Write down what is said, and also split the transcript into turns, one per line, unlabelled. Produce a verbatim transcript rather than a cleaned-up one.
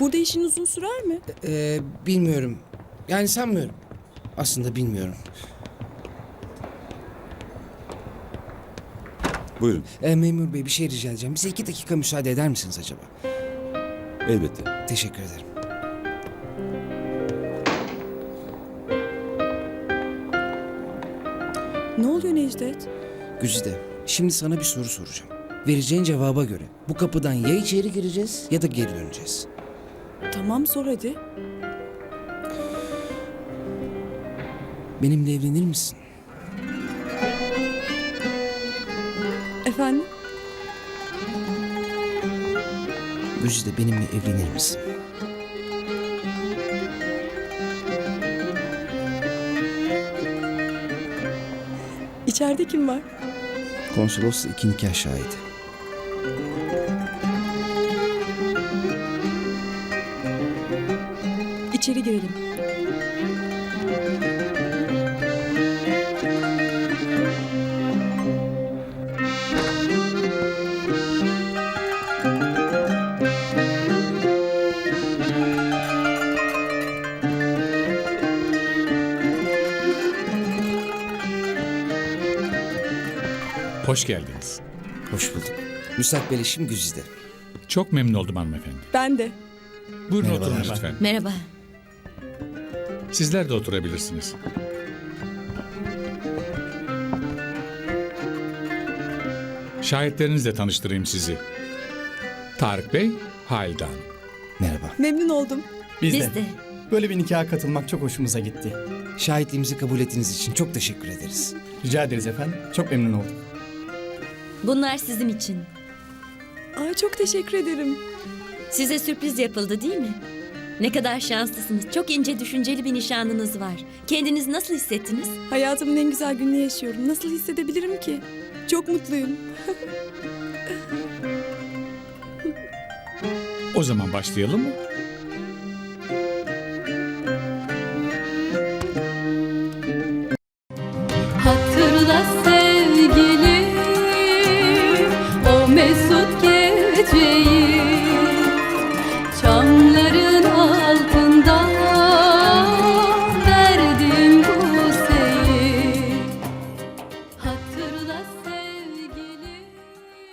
Burada işin uzun sürer mi?
Ee, bilmiyorum. Yani sanmıyorum. Aslında bilmiyorum.
Buyurun.
Ee, memur bey bir şey rica edeceğim. Bize iki dakika müsaade eder misiniz acaba?
Elbette.
Teşekkür ederim.
Ne oluyor Necdet?
Güzide, şimdi sana bir soru soracağım. Vereceğin cevaba göre bu kapıdan ya içeri gireceğiz ya da geri döneceğiz.
Tamam sor hadi.
Benimle evlenir misin?
Efendim?
Güzide benimle evlenir misin?
İçeride kim var?
Konsolosla iki nikah şahidi.
İçeri girelim.
Hoş geldiniz.
Hoş bulduk. Müstakbel eşim Güzide.
Çok memnun oldum hanımefendi.
Ben de.
Buyurun
Merhabalar.
oturun lütfen.
Merhaba.
Sizler de oturabilirsiniz. Şahitlerinizle tanıştırayım sizi. Tarık Bey, Halide Hanım.
Merhaba.
Memnun oldum.
Biz,
Biz
de.
de.
Böyle bir nikaha katılmak çok hoşumuza gitti.
Şahitliğimizi kabul ettiğiniz için çok teşekkür ederiz.
Rica ederiz efendim. Çok memnun olduk.
Bunlar sizin için.
Ay çok teşekkür ederim.
Size sürpriz yapıldı değil mi? Ne kadar şanslısınız. Çok ince düşünceli bir nişanlınız var. Kendinizi nasıl hissettiniz?
Hayatımın en güzel gününü yaşıyorum. Nasıl hissedebilirim ki? Çok mutluyum.
O zaman başlayalım mı?
Hatırla sevgilim o mesut geceyi.